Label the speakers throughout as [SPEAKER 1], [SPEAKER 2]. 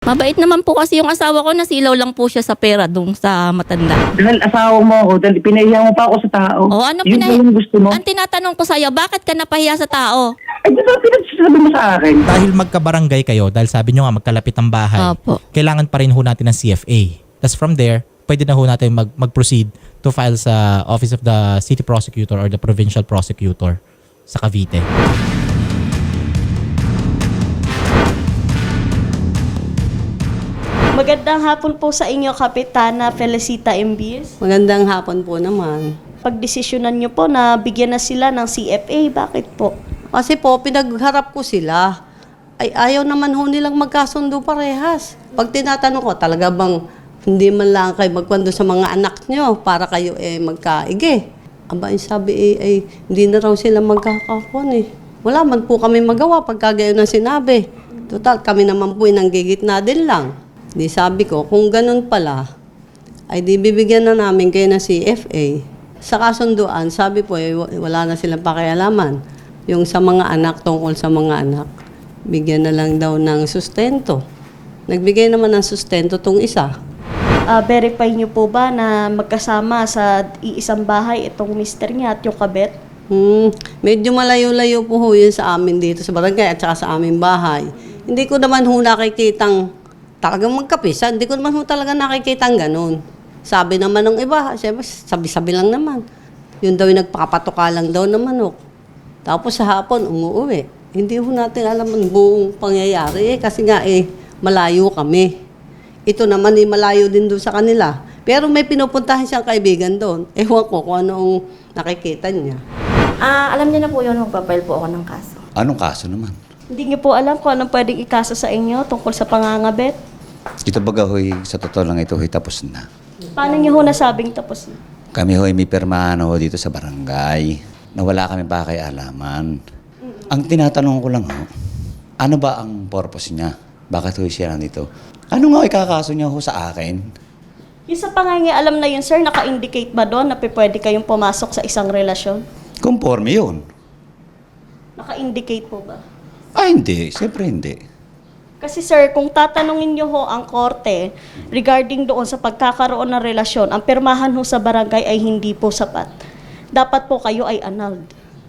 [SPEAKER 1] Mabait naman po kasi yung asawa ko, nasilaw lang po siya sa pera dun sa matanda.
[SPEAKER 2] Dahil asawa mo ako, dahil pinahiya mo pa ako sa tao.
[SPEAKER 1] O ano
[SPEAKER 2] Yun ba yung gusto mo?
[SPEAKER 1] Ang tinatanong ko sa'yo, bakit ka napahiya sa tao?
[SPEAKER 2] Ay, di ba pinagsasabi mo sa akin?
[SPEAKER 3] Dahil magkabarangay kayo, dahil sabi nyo nga magkalapit ang bahay,
[SPEAKER 1] Opo.
[SPEAKER 3] kailangan pa rin ho natin ng CFA. Tapos from there, pwede na ho natin mag-proceed to file sa Office of the City Prosecutor or the Provincial Prosecutor sa Cavite.
[SPEAKER 4] Magandang hapon po sa inyo, Kapitana Felicita Embis.
[SPEAKER 5] Magandang hapon po naman.
[SPEAKER 4] Pagdesisyonan niyo po na bigyan na sila ng CFA, bakit po?
[SPEAKER 5] Kasi po, pinagharap ko sila. Ay, ayaw naman ho nilang magkasundo parehas. Pag tinatanong ko, talaga bang hindi man lang kayo magkwento sa mga anak nyo para kayo magkaigi? Aba, sabi hindi na raw sila magkakakon Wala man po kami magawa pagka gayon ang sinabi. Total, kami naman po nanggigitna din lang. Di sabi ko, kung ganun pala, ay di bibigyan na namin kayo ng CFA. Sa kasunduan, sabi po, wala na silang pakialaman. Yung sa mga anak, tungkol sa mga anak, bigyan na lang daw ng sustento. Nagbigay naman ng sustento tong isa.
[SPEAKER 4] Verify niyo po ba na magkasama sa iisang bahay itong mister niya at yung kabet?
[SPEAKER 5] Medyo malayo-layo po ho yun sa amin dito sa barangay at saka sa aming bahay. Hindi ko naman ho nakikitang talagang magkapisa. Hindi ko naman ho talaga nakikitang ganun. Sabi naman ng iba, siyempre, sabi-sabi lang naman. Yun daw yung nagpapatuka lang daw ng manok. Tapos sa hapon, umuwi. Hindi ho natin alam ang buong pangyayari kasi nga malayo kami. Ito naman malayo din doon sa kanila. Pero may pinupuntahan siyang kaibigan doon. Ewan ko kung anong nakikita niya.
[SPEAKER 1] Alam niyo na po yun, magpapile po ako ng kaso.
[SPEAKER 6] Anong kaso naman?
[SPEAKER 4] Hindi niyo po alam kung anong pwedeng ikaso sa inyo tungkol sa pangangabet?
[SPEAKER 6] Ito baga hoy, sa totoo lang ito hoy, tapos na.
[SPEAKER 4] Paano niyo ho nasabing tapos na?
[SPEAKER 6] Kami hoy, may pirmahan ho dito sa barangay na wala kami pakialaman. Ang tinatanong ko lang ho, ano ba ang purpose niya? Bakit hoy siya nandito? Ano nga ikakaso niya ho sa akin?
[SPEAKER 4] Yung sa pangangialam na yun, sir, naka-indicate ba doon na pwede kayong pumasok sa isang relasyon?
[SPEAKER 6] Conforme yun.
[SPEAKER 4] Naka-indicate po ba?
[SPEAKER 6] Hindi. Siyempre hindi.
[SPEAKER 4] Kasi sir, kung tatanungin niyo ho ang korte regarding doon sa pagkakaroon ng relasyon, ang pirmahan ho sa barangay ay hindi po sapat. Dapat po kayo ay annulled.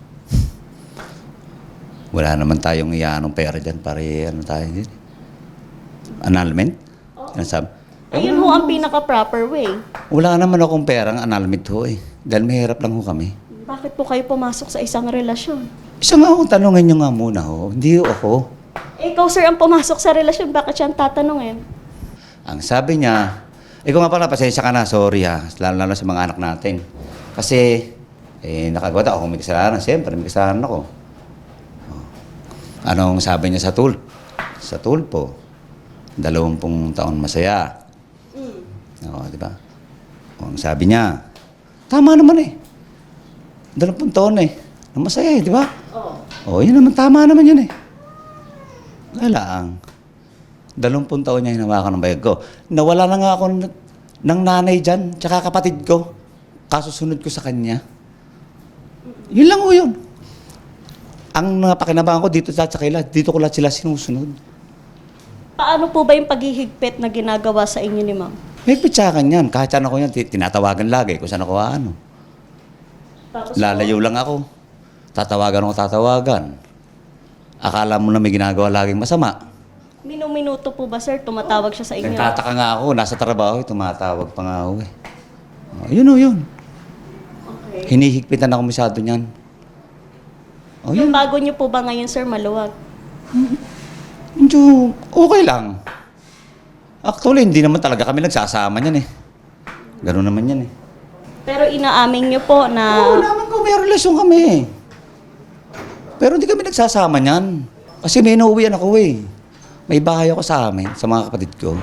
[SPEAKER 6] Wala naman tayong iyanong pera dyan para ano tayo din. Annulment? Ano sabi?
[SPEAKER 4] Ayun ho ang pinaka-proper way.
[SPEAKER 6] Wala naman akong perang annulment ho eh. Dahil mahirap lang ho kami.
[SPEAKER 4] Bakit po kayo pumasok sa isang relasyon?
[SPEAKER 6] Isa nga akong tanongin nyo nga muna ho. Hindi ho ako.
[SPEAKER 4] Ikaw sir ang pumasok sa relasyon, bakit siya ang tatanungin?
[SPEAKER 6] Ang sabi niya, ikaw nga pala, pasensya ka na, sorry ha, lalo sa mga anak natin. Kasi, nakagawa ako, may kasalanan, siyempre, may kasalanan ako. Oh. Anong sabi niya sa Sa tulpo, 20 taon masaya. Oo, di ba? Ang sabi niya, tama naman 20 taon na masaya di ba? Oo. Yun naman, tama naman yun Wala ang 20 taon niya hinawakan ng bayag ko. Nawala na nga ako ng nanay dyan, tsaka kapatid ko. Kasusunod ko sa kanya. Yun lang ho yun. Ang napakinabangan ko dito sa kanila, dito ko lahat sila sinusunod.
[SPEAKER 4] Paano po ba yung paghihigpit na ginagawa sa inyo ni ma'am?
[SPEAKER 6] May pitsakan yan. Kahit saan ako yan, tinatawagan lagi kung saan ako ano.
[SPEAKER 4] Tapos
[SPEAKER 6] Lalayo lang ako. Tatawagan. Akala mo na may ginagawa laging masama.
[SPEAKER 4] minuto po ba sir, tumatawag siya sa inyo?
[SPEAKER 6] Nagtataka nga ako, nasa trabaho, tumatawag pa nga ako Yun.
[SPEAKER 4] Okay.
[SPEAKER 6] Hinihigpitan ako masyado niyan.
[SPEAKER 4] Yung bago niyo po ba ngayon sir, maluwag?
[SPEAKER 6] Medyo okay lang. Actually, hindi naman talaga kami nagsasama niyan Gano'n naman yan
[SPEAKER 4] Pero inaamin niyo po na...
[SPEAKER 6] Oo naman ko, may relasyon kami Pero hindi kami nagsasama niyan. Kasi may inuuwian ako May bahay ako sa amin, sa mga kapatid ko.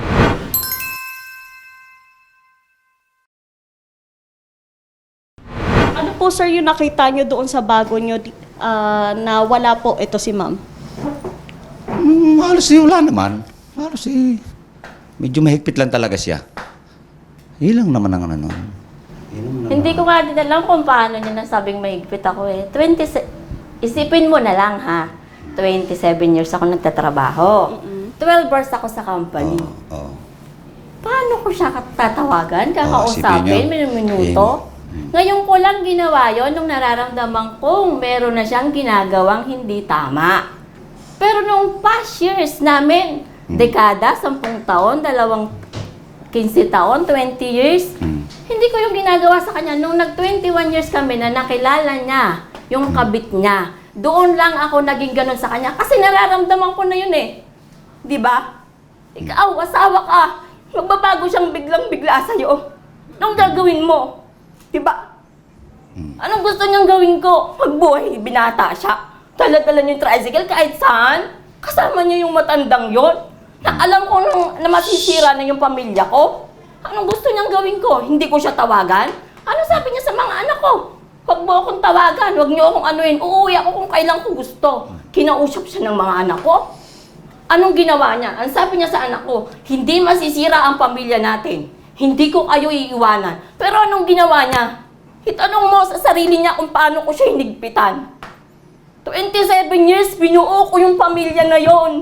[SPEAKER 4] Ano po sir yung nakita niyo doon sa bago niyo na wala po ito si ma'am?
[SPEAKER 6] Halos wala naman. Halos medyo mahigpit lang talaga siya. Yun lang naman ang ano.
[SPEAKER 1] Hindi ko nga din alam kung paano niya nasabing mahigpit ako Isipin mo na lang ha, 27 years ako nagtatrabaho. 12 hours ako sa company.
[SPEAKER 6] Oo.
[SPEAKER 1] Paano ko siya tatawagan,
[SPEAKER 6] isipin
[SPEAKER 1] kakausapin,
[SPEAKER 6] niyo.
[SPEAKER 1] minuto? Ngayon ko lang ginawa yon nung nararamdaman kong meron na siyang ginagawang hindi tama. Pero nung past years namin, dekada, 10 taon, 15 taon, 20 years, hindi ko yung ginagawa sa kanya. Nung nag-21 years kami na nakilala niya, yung kabit niya, doon lang ako naging ganun sa kanya. Kasi nararamdaman ko na yun eh. Di ba? Ikaw, asawa ka. Magbabago siyang biglang-bigla sa'yo. Anong gagawin mo? Diba? Anong gusto niyang gawin ko? Magbuhay, binata siya. Dala-dala niya yung tricycle kahit saan. Kasama niya yung matandang yon. Na alam ko na masisira na yung pamilya ko. Anong gusto niyang gawin ko? Hindi ko siya tawagan? Ano sabi niya sa mga anak ko? Huwag mo akong tawagan, huwag niyo akong anuin. Uuwi ako kung kailan ko gusto. Kinausap siya ng mga anak ko. Anong ginawa niya? Ang sabi niya sa anak ko, hindi masisira ang pamilya natin. Hindi ko kayo iiwanan. Pero anong ginawa niya? Itanong mo sa sarili niya kung paano ko siya hinigpitan. 27 years, binuo ko yung pamilya na yon.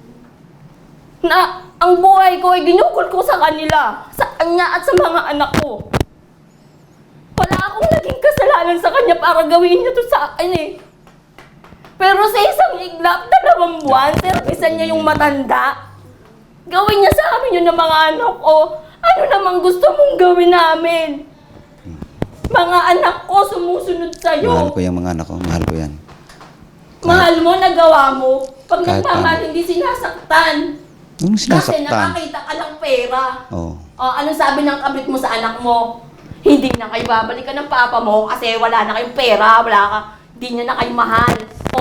[SPEAKER 1] Na ang buhay ko ay ginugol ko sa kanila, sa kanya at sa mga anak ko. Wala akong naging kasalanan sa kanya para gawin niya to sa akin eh. Pero sa isang iglap, 2 buwan, servisan niya yung matanda. Gawin niya sa amin yun ng mga anak ko. Ano namang gusto mong gawin namin? Mga anak ko sumusunod sa'yo.
[SPEAKER 6] Mahal ko yung mga anak ko. Mahal ko yan.
[SPEAKER 1] Mahal mo, nagawa mo. Pag
[SPEAKER 6] Kahit
[SPEAKER 1] nagmamahal,
[SPEAKER 6] paano.
[SPEAKER 1] hindi sinasaktan.
[SPEAKER 6] Nung
[SPEAKER 1] Kasi
[SPEAKER 6] sinasaktan.
[SPEAKER 1] nakakita ka ng pera.
[SPEAKER 6] Oo.
[SPEAKER 1] Anong sabi ng kabit mo sa anak mo? Hindi na kayo babalikan ng papa mo kasi wala na kayong pera, hindi niya na kayo mahal.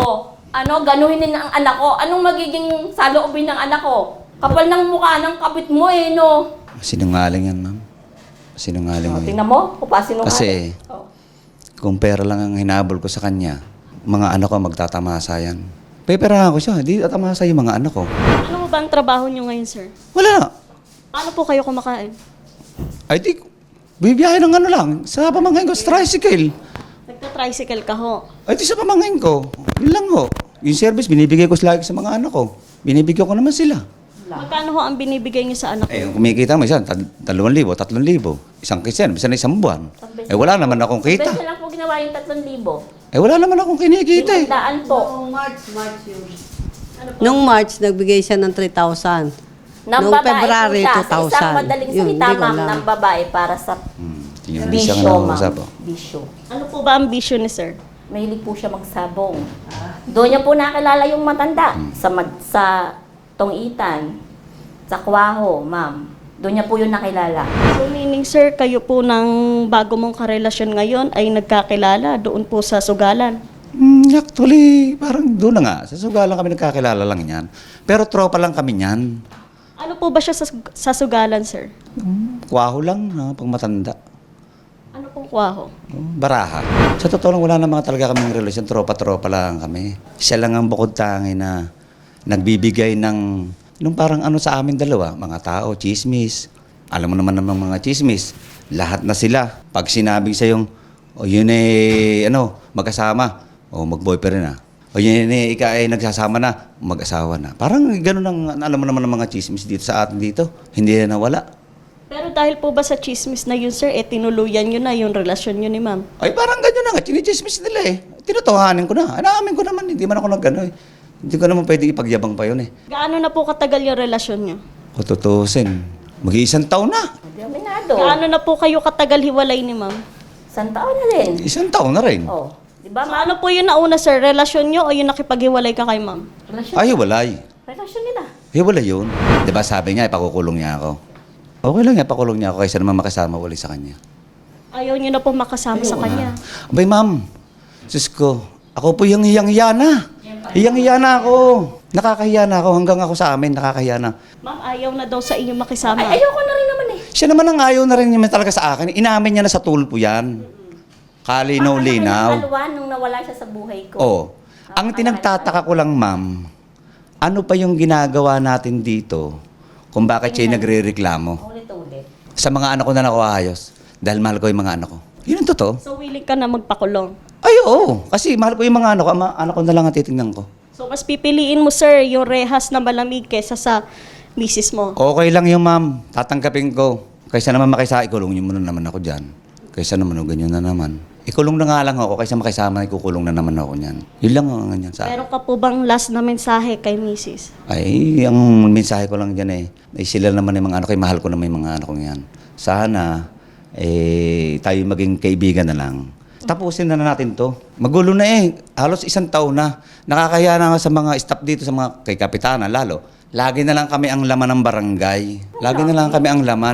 [SPEAKER 1] Ganuhin na ang anak ko. Anong magiging saloobin ng anak ko? Kapal ng mukha ng kabit mo eh, no?
[SPEAKER 6] Sinungaling yan, ma'am. Sinungaling mo yan.
[SPEAKER 1] Tingnan mo, kupasin mo
[SPEAKER 6] Kasi, kung pera lang ang hinabol ko sa kanya, mga anak ko magtatamasa yan. Peperahan ko siya, hindi tatamasa yung mga anak ko.
[SPEAKER 4] Ano ba ang trabaho niyo ngayon, sir?
[SPEAKER 6] Wala.
[SPEAKER 4] Paano po kayo kumakain?
[SPEAKER 6] Ay di, bibiyahe ng ano lang, sa pamangkin ko, sa tricycle.
[SPEAKER 4] Nagta-tricycle ka ho.
[SPEAKER 6] Ay di sa pamangkin ko, yun lang ho. Yung service, binibigay ko lagi sa mga anak ko. Binibigyan ko naman sila.
[SPEAKER 4] Magkano ho ang binibigay niyo sa anak
[SPEAKER 6] Eh,
[SPEAKER 4] niyo?
[SPEAKER 6] kumikita mo isa, 2,000, 3,000. Isang kisen, bisa na isang buwan. Eh, wala naman akong kita.
[SPEAKER 1] Best lang po ginawa yung 3,000.
[SPEAKER 6] Eh, wala naman akong kinikita eh.
[SPEAKER 1] Daan po.
[SPEAKER 5] Nung March yun. Nung March, nagbigay siya ng 3,000.
[SPEAKER 1] Nang
[SPEAKER 5] Noong
[SPEAKER 1] babae
[SPEAKER 5] February,
[SPEAKER 1] po siya. Sa isang
[SPEAKER 5] 2,000.
[SPEAKER 1] madaling
[SPEAKER 5] Yun,
[SPEAKER 1] salita,
[SPEAKER 5] hindi ko
[SPEAKER 1] ma'am,
[SPEAKER 5] alam.
[SPEAKER 1] ng babae para sa
[SPEAKER 6] Tingnan mo siya ka
[SPEAKER 1] bisyo,
[SPEAKER 6] nakausap,
[SPEAKER 1] ma'am.
[SPEAKER 6] oh.
[SPEAKER 1] Bisyo.
[SPEAKER 4] Ano po ba ang vision ni sir?
[SPEAKER 1] Mahilig po siya magsabong. Doon niya po nakilala yung matanda sa Tongitan, sa Kwaho, ma'am. Doon niya po yung nakilala.
[SPEAKER 4] So meaning sir, kayo po ng bago mong karelasyon ngayon ay nagkakilala doon po sa Sugalan.
[SPEAKER 6] Actually, parang doon na nga. Sa Sugalan kami nagkakilala lang yan. Pero tropa lang kami yan.
[SPEAKER 4] Ano po ba siya sa Sugalan, sir?
[SPEAKER 6] Kwaho lang, ha, pag matanda.
[SPEAKER 4] Ano pong kwaho?
[SPEAKER 6] Baraha. Sa totoo lang, wala naman talaga kaming relasyon. Tropa-tropa lang kami. Siya lang ang bukod tangi na nagbibigay ng nung parang ano sa amin dalawa, mga tao, chismis. Alam mo naman ng mga chismis. Lahat na sila. Pag sinabing sa yung, yun eh, magkasama. O mag-boyfriend na. O yun eh, ika ay nagsasama na, mag-asawa na. Parang ganun ang alam mo naman ng mga chismis dito sa atin dito. Hindi na nawala.
[SPEAKER 4] Pero dahil po ba sa chismis na yun, sir, tinuluyan nyo na yung relasyon nyo ni ma'am?
[SPEAKER 6] Ay, parang ganyan na nga. Chinichismis nila eh. Tinutuhanin ko na. Naamin ko naman. Hindi man ako nag-ano eh. Hindi ko naman pwede ipagyabang pa yun eh.
[SPEAKER 4] Gaano na po katagal yung relasyon nyo?
[SPEAKER 6] Kung tutusin, mag-iisang taon na.
[SPEAKER 1] Dominado.
[SPEAKER 4] Gaano na po kayo katagal hiwalay ni ma'am?
[SPEAKER 1] Isang taon na rin.
[SPEAKER 6] Isang taon na rin.
[SPEAKER 1] Oh. Di ba,
[SPEAKER 4] So,
[SPEAKER 1] ma'am?
[SPEAKER 4] ano po yung nauna, sir? Relasyon nyo o yung nakipaghiwalay ka kay ma'am?
[SPEAKER 1] Relasyon,
[SPEAKER 6] Ay, hiwalay.
[SPEAKER 1] relasyon nila.
[SPEAKER 6] Hiwalay yun. Di ba sabi niya, ipakukulong niya ako. Okay lang, ipakulong niya ako kaysa naman makasama ulit sa kanya.
[SPEAKER 4] Ayaw nyo na po makasama sa kanya.
[SPEAKER 6] Abay, ma'am. Sus ko, ako po yung hiyang-hiya na. Hiyang-hiya na ako. Nakakahiya na ako. Hanggang ako sa amin, nakakahiya na.
[SPEAKER 4] Ma'am, ayaw na daw sa inyo makisama.
[SPEAKER 1] Ay, ayoko na rin naman eh.
[SPEAKER 6] Siya naman ang ayaw na rin naman talaga sa akin. Inamin niya na sa tulpo yan. Kalinaw-linaw.
[SPEAKER 1] Alwan nung nawala siya sa buhay ko.
[SPEAKER 6] Oo. Ang tinagtataka ko lang, ma'am, ano pa yung ginagawa natin dito kung bakit siya nagre-reklamo?
[SPEAKER 1] Ulit-ulit.
[SPEAKER 6] Sa mga anak ko na nakuayos. Dahil mahal ko yung mga anak ko. Yun ang totoo.
[SPEAKER 4] So, willing ka na magpakulong.
[SPEAKER 6] Ay, oo. Kasi mahal ko yung mga anak ko. Anak ko na lang ang titingnan ko.
[SPEAKER 4] So, So mas pipiliin mo, sir, yung rehas na malamig kesa sa misis mo.
[SPEAKER 6] Okay lang yung ma'am. Tatanggapin ko. Kaysa naman ikulong niyo muna naman ako dyan. Kaysa naman ganyan na naman. Ikulong na nga lang ako. Kaysa makisama, ikukulong na naman ako niyan. Yun lang ang ganyan sa akin.
[SPEAKER 4] Meron ka po bang last na mensahe kay misis?
[SPEAKER 6] Ay, ang mensahe ko lang dyan sila naman yung mga anak ko, mahal ko naman yung mga anak ko yan. Sana, tayo maging kaibigan na lang. Tapusin na natin to. Magulo na halos 1 taon na. Nakakaya na nga sa mga staff dito, sa mga kay Kapitana lalo. Lagi na lang kami ang laman ng barangay. Lagi na lang kami ang laman.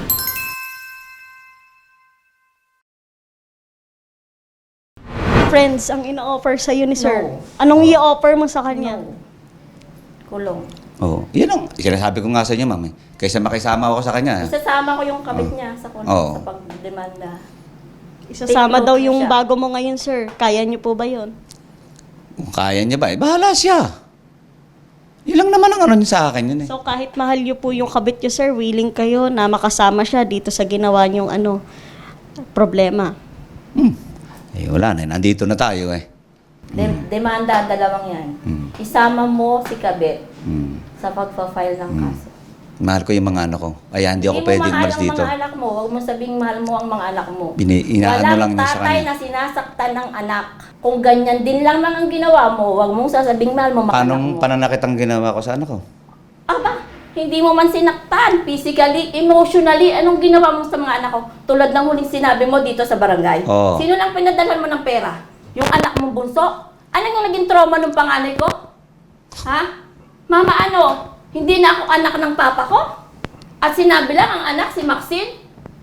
[SPEAKER 4] Friends ang ino-offer sa ni sir.
[SPEAKER 1] No.
[SPEAKER 4] Anong i-offer mo sa kanya?
[SPEAKER 1] No. Kulong.
[SPEAKER 6] Oo. Yan ang sinasabi ko nga sa inyo, ma'am. Kaysa makisama ako sa kanya.
[SPEAKER 1] Isasama ko yung kabit niya sa
[SPEAKER 6] Oo.
[SPEAKER 1] sa pagdemanda.
[SPEAKER 4] Isasama
[SPEAKER 1] Take
[SPEAKER 4] daw
[SPEAKER 1] note
[SPEAKER 4] yung
[SPEAKER 1] siya.
[SPEAKER 4] bago mo ngayon, sir. Kaya niyo po ba yon?
[SPEAKER 6] Kung kaya niya ba, bahala siya. Yun lang naman ang ano niya sa akin yun
[SPEAKER 4] So kahit mahal niyo po yung kabit niyo, sir, willing kayo na makasama siya dito sa ginawa niyong problema.
[SPEAKER 6] Wala na. Nandito na tayo
[SPEAKER 1] Demanda, dalawang yan. Isama mo si kabit sa pagpa-file ng kaso.
[SPEAKER 6] Mahal ko yung mga anak ko. Kaya hindi ako pwedeng umalis
[SPEAKER 1] Hindi mo
[SPEAKER 6] dito.
[SPEAKER 1] mahal ang mga anak mo. Huwag mo sabing mahal mo ang mga anak mo.
[SPEAKER 6] Inaano lang
[SPEAKER 1] Walang
[SPEAKER 6] niya sa
[SPEAKER 1] tatay
[SPEAKER 6] kanya.
[SPEAKER 1] na sinasaktan ng anak. Kung ganyan din lang ang ginawa mo, huwag mong sasabing mahal mo mga anak
[SPEAKER 6] Anong
[SPEAKER 1] mo.
[SPEAKER 6] pananakit ang ginawa ko sa anak ko?
[SPEAKER 1] Aba, hindi mo man sinaktan, physically, emotionally, anong ginawa mo sa mga anak ko? Tulad ng huling sinabi mo dito sa barangay.
[SPEAKER 6] Oo.
[SPEAKER 1] Sino lang pinadalhan mo ng pera? Yung anak mong bunso? Ano yung naging trauma ng panganay ko? Ha? Mama, hindi na ako anak ng papa ko? At sinabi lang ang anak, si Maxine?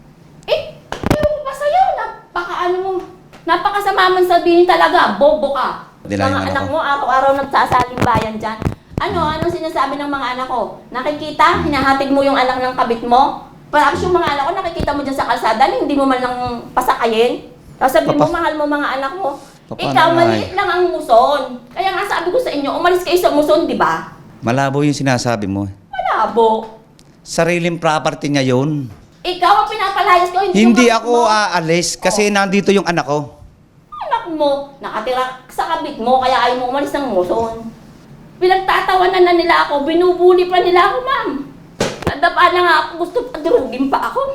[SPEAKER 1] Ewan ko pa sa'yo, napakasama man sabihin talaga, bobo ka.
[SPEAKER 6] Dilayan
[SPEAKER 1] Mga
[SPEAKER 6] anak
[SPEAKER 1] anak
[SPEAKER 6] ko.
[SPEAKER 1] mo, araw-araw nagsasaling bayan dyan. Anong sinasabi ng mga anak ko? Nakikita, hinahatid mo yung anak ng kabit mo? Perhaps yung mga anak ko, nakikita mo dyan sa kalsada, hindi mo man lang pasakayin. Tapos sabi mo, mahal mo mga anak mo.
[SPEAKER 6] Paano
[SPEAKER 1] Ikaw,
[SPEAKER 6] nga
[SPEAKER 1] maliit lang ang muson. Kaya nga sabi ko sa inyo, umalis kayo sa muson, di ba?
[SPEAKER 6] Malabo yung sinasabi mo.
[SPEAKER 1] Malabo.
[SPEAKER 6] Sariling property niya yun.
[SPEAKER 1] Ikaw ang pinapalayas ko,
[SPEAKER 6] Hindi
[SPEAKER 1] yung
[SPEAKER 6] ako aalis kasi nandito yung anak ko.
[SPEAKER 1] anak mo, nakatira sa kabit mo, kaya ayaw mo umalis ng muson. Pinagtatawanan na nila ako, binubuli pa nila ako, ma'am. Nadapa na nga ako, gusto padurugin pa ako.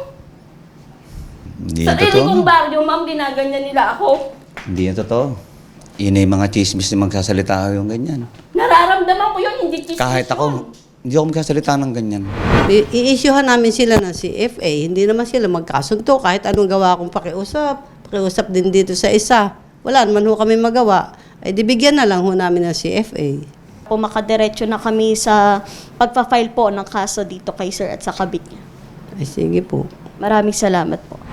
[SPEAKER 6] Hindi
[SPEAKER 1] Sa
[SPEAKER 6] yan
[SPEAKER 1] sarili
[SPEAKER 6] totoo.
[SPEAKER 1] kong baryo, ma'am, ginaganyan nila ako.
[SPEAKER 6] Hindi yan totoo. Yun yung mga chismis na magsasalita yung ganyan.
[SPEAKER 1] Nararamdaman ko yun, hindi chismis
[SPEAKER 6] Kahit
[SPEAKER 1] yun.
[SPEAKER 6] ako, hindi ako magsasalita ng ganyan.
[SPEAKER 5] I-issuehan namin sila ng CFA. Hindi naman sila magkasunto. Kahit anong gawa akong pakiusap din dito sa isa. Wala naman ho kami magawa. Ay dibigyan na lang ho namin ng CFA.
[SPEAKER 4] Po makadiretso na kami sa pagpa-file po ng kaso dito kay sir at sa kabit niya.
[SPEAKER 5] Ay sige po.
[SPEAKER 4] Maraming salamat po.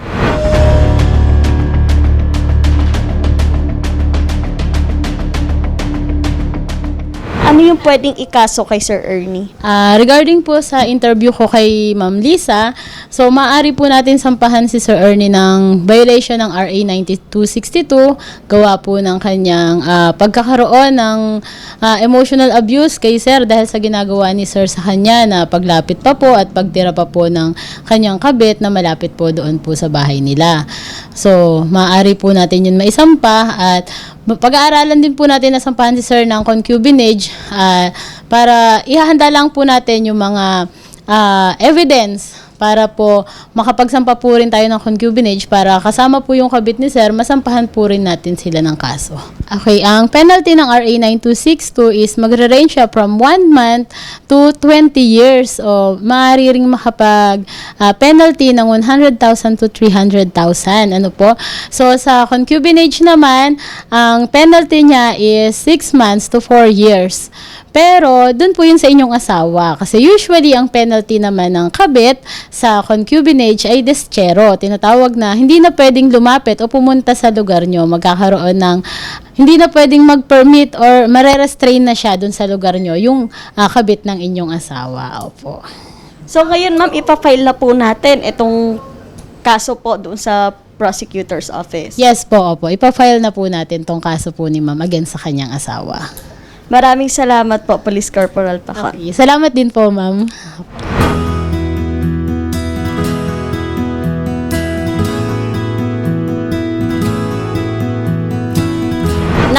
[SPEAKER 4] Ano yung pwedeng ikaso kay Sir Ernie?
[SPEAKER 7] Regarding po sa interview ko kay Ma'am Lisa, so maaari po natin sampahan si Sir Ernie ng violation ng RA 9262, gawa po ng kanyang pagkakaroon ng emotional abuse kay Sir dahil sa ginagawa ni Sir sa kanya na paglapit pa po at pagtira pa po ng kanyang kabit na malapit po doon po sa bahay nila. So, maaari po natin yun maisampa at pag-aaralan din po natin na sampahan si Sir ng concubinage para ihahanda lang po natin yung mga evidence para po makapagsampa po rin tayo ng concubinage para kasama po yung kabit ni Sir, masampahan po rin natin sila ng kaso. Okay, ang penalty ng RA 9262 is magre-range siya from 1 month to 20 years o maaari ring makapag penalty ng 100,000 to 300,000. Ano po? So, sa concubinage naman, ang penalty niya is 6 months to 4 years. Pero, dun po yun sa inyong asawa. Kasi usually, ang penalty naman ng kabit sa concubinage ay deschero. Tinatawag na hindi na pwedeng lumapit o pumunta sa lugar nyo. Magkakaroon ng hindi na pwedeng mag-permit or marerestrain na siya dun sa lugar nyo yung kabit ng inyong asawa. Opo.
[SPEAKER 4] So ngayon ma'am, ipafile na po natin itong kaso po doon sa prosecutor's office.
[SPEAKER 7] Yes po, opo. Ipa-file na po natin tong kaso po ni ma'am against sa kanyang asawa.
[SPEAKER 4] Maraming salamat po, Police Corporal Paca.
[SPEAKER 7] Okay. Salamat din po, ma'am.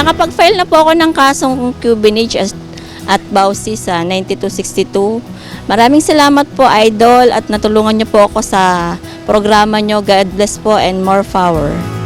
[SPEAKER 1] Nakapag-file na po ako ng kasong Cubanage at Bausi sa 9262. Maraming salamat po, Idol, at natulungan niyo po ako sa programa niyo. God bless po and more power.